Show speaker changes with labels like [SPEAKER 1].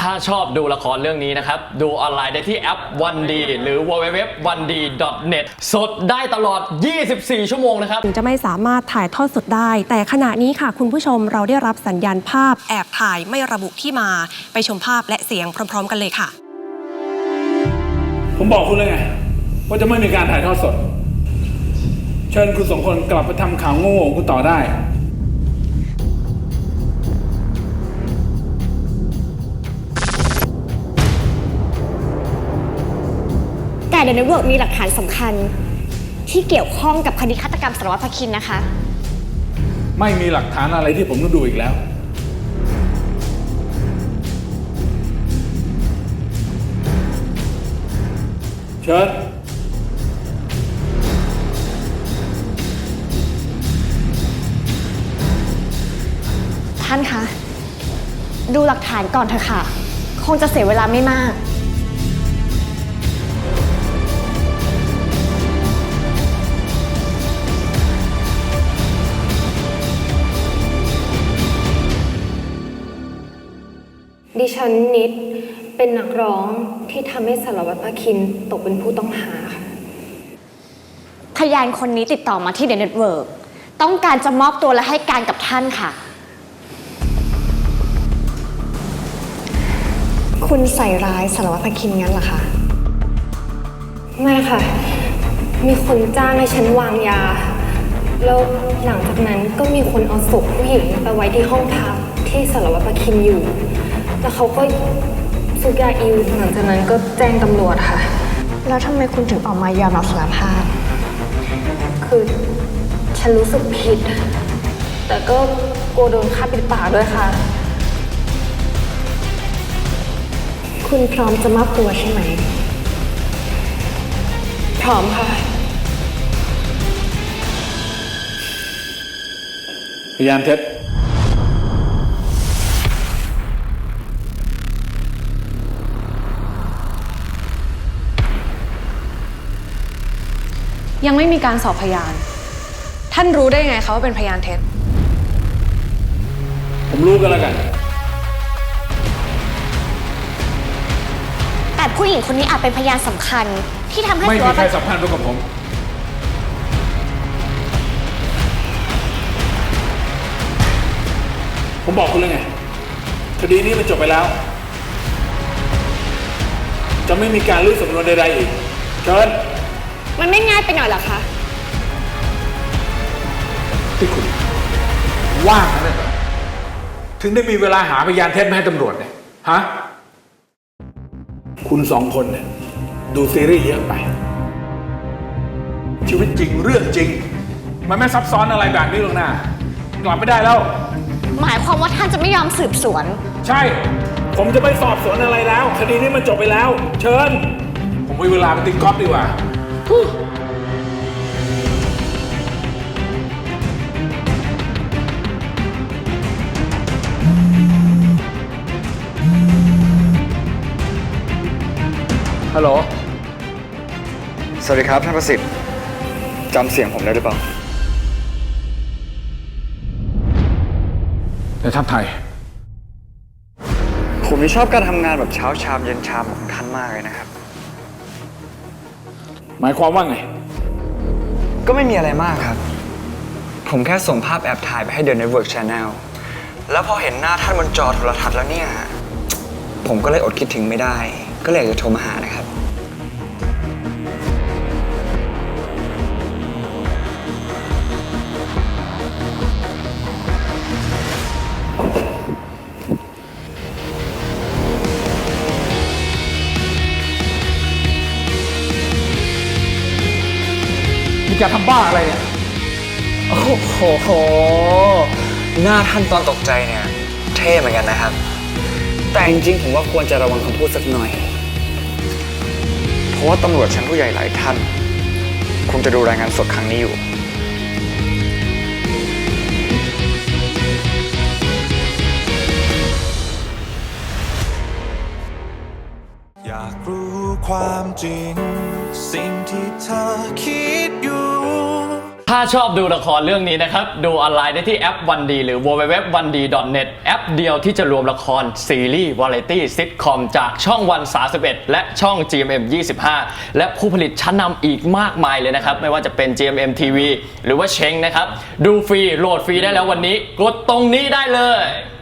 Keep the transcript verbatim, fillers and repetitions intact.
[SPEAKER 1] ถ้าชอบดูละครเรื่องนี้นะครับดูออนไลน์ได้ที่แอป วันดี หรือ ดับเบิลยู ดับเบิลยู ดับเบิลยู ดอท วันดี ดอท เน็ต สดได้ตลอด ยี่สิบสี่ ชั่วโมงนะครับ
[SPEAKER 2] ถึงจะไม่สามารถถ่ายทอดสดได้ แต่ขณะนี้ค่ะคุณผู้ชมเราได้รับสัญญาณภาพแอบถ่ายไม่ระบุที่มาไปชมภาพและเสียงพร้อมๆกันเลยค่ะ
[SPEAKER 3] ผมบอกคุณเลยไงว่าจะไม่มีการถ่ายทอดสดเชิญคุณสองคนกลับไปทำข่าวโง่ๆคุณต่อได้
[SPEAKER 4] แต่เดอะเน็ตเวิร์กมีหลักฐานสำคัญที่เกี่ยวข้องกับคดีฆาตกรรมสารวัตรภคินนะคะ
[SPEAKER 3] ไม่มีหลักฐานอะไรที่ผมต้องดูอีกแล้วเชิญ
[SPEAKER 4] ท่านคะดูหลักฐานก่อนเถอะค่ะคงจะเสียเวลาไม่มาก
[SPEAKER 5] ดิฉันนิดเป็นนักร้องที่ทำให้สารวัตรภคินตกเป็นผู้ต้องหาค่ะ
[SPEAKER 4] พยานคนนี้ติดต่อมาที่เดอะเน็ตเวิร์กต้องการจะมอบตัวและให้การกับท่านค่ะคุณใส่ร้ายสารวัตรภคินงั้นเหรอคะ
[SPEAKER 5] ไม่ค่ะมีคนจ้างให้ฉันวางยาแล้วหลังจากนั้นก็มีคนเอาศพผู้หญิงไปไว้ที่ห้องพักที่สารวัตรภคินอยู่แล้วเขาก็ซุกยาอิวหลังจากนั้นก็แจ้งตำรวจค่ะ
[SPEAKER 4] แล้วทำไมคุณถึงออกมายอมรับสารภาพ
[SPEAKER 5] คือฉันรู้สึกผิดแต่ก็กลัวโดนฆ่าปิดปากด้วยค่ะ
[SPEAKER 4] คุณพร้อมจะมอบตัวใช่ไหม
[SPEAKER 5] พร้อมค่ะ
[SPEAKER 3] พยานเท็จ
[SPEAKER 6] ยังไม่มีการสอบพยานท่านรู้ได้ไงคะว่าเป็นพยานเท็จ
[SPEAKER 3] ผมรู้กันแล้วกัน
[SPEAKER 4] แต่ผู้หญิงคนนี้อาจเป็นพยานสำคัญที่ทำให้
[SPEAKER 3] ไม่มีใครสัมพันธ์ด้วยกับผมผมบอกคุณเลยไงคดีนี้มันจบไปแล้วจะไม่มีการลื้อสำนวนใดๆอีกเชิญ
[SPEAKER 4] มันไม่ง่ายไปหน่อยเหรอคะ
[SPEAKER 3] ที่คุณว่างนั่นเหรอถึงได้มีเวลาหาพยานเท็จมาให้ตำรวจเนี่ยฮะคุณสองคนเนี่ยดูซีรีส์เยอะไปชีวิตจริงเรื่องจริงมันไม่ซับซ้อนอะไรแบบนี้หรอกนะกลับไม่ได้แล้ว
[SPEAKER 4] หมายความว่าท่านจะไม่ยอมสืบสวน
[SPEAKER 3] ใช่ผมจะไม่สอบสวนอะไรแล้วคดีนี้มันจบไปแล้วเชิญผมมีเวลาไปตีกอล์ฟดีกว่าฮัลโหล
[SPEAKER 7] สวัสดีครับท่านประสิทธิ์จำเสียงผมได้หรือเปล่า
[SPEAKER 3] ในทัพไทย
[SPEAKER 7] ผมนี่ชอบการทำงานแบบเช้าชามเย็นชามของท่านมากเลยนะครับ
[SPEAKER 3] หมายความว่าไง
[SPEAKER 7] ก็ไม่มีอะไรมากครับผมแค่ส่งภาพแอบถ่ายไปให้ The Network Channel แล้วพอเห็นหน้าท่านบนจอโทรทัศน์แล้วเนี่ยผมก็เลยอดคิดถึงไม่ได้ก็เลยอยากจะโทรมาหานะครับ
[SPEAKER 3] มีการทำบ้าอะไรเนี่ย
[SPEAKER 7] โอ้โหหน้าท่านตอนตกใจเนี่ยเท่เหมือนกันนะครับแต่จริงๆผมว่าควรจะระวังคำพูดสักหน่อยเพราะว่าตำรวจชั้นผู้ใหญ่หลายท่านคงจะดูรายงานสดครั้งนี้อยู่
[SPEAKER 8] อยากรู้ความจริงสิ่งที่เธอคิดอยู่
[SPEAKER 1] ถ้าชอบดูละครเรื่องนี้นะครับดูออนไลน์ได้ที่แอปวันดีหรือ ดับเบิลยู ดับเบิลยู ดับเบิลยู ดอท วันดี ดอท เน็ต แอปเดียวที่จะรวมละครซีรีส์วาไรตี้ซิทคอมจากช่องวันสามสิบเอ็ดและช่อง จี เอ็ม เอ็ม ยี่สิบห้า และผู้ผลิตชั้นนำอีกมากมายเลยนะครับไม่ว่าจะเป็น จี เอ็ม เอ็ม ที วี หรือว่าเชงนะครับดูฟรีโหลดฟรีได้แล้ววันนี้กดตรงนี้ได้เลย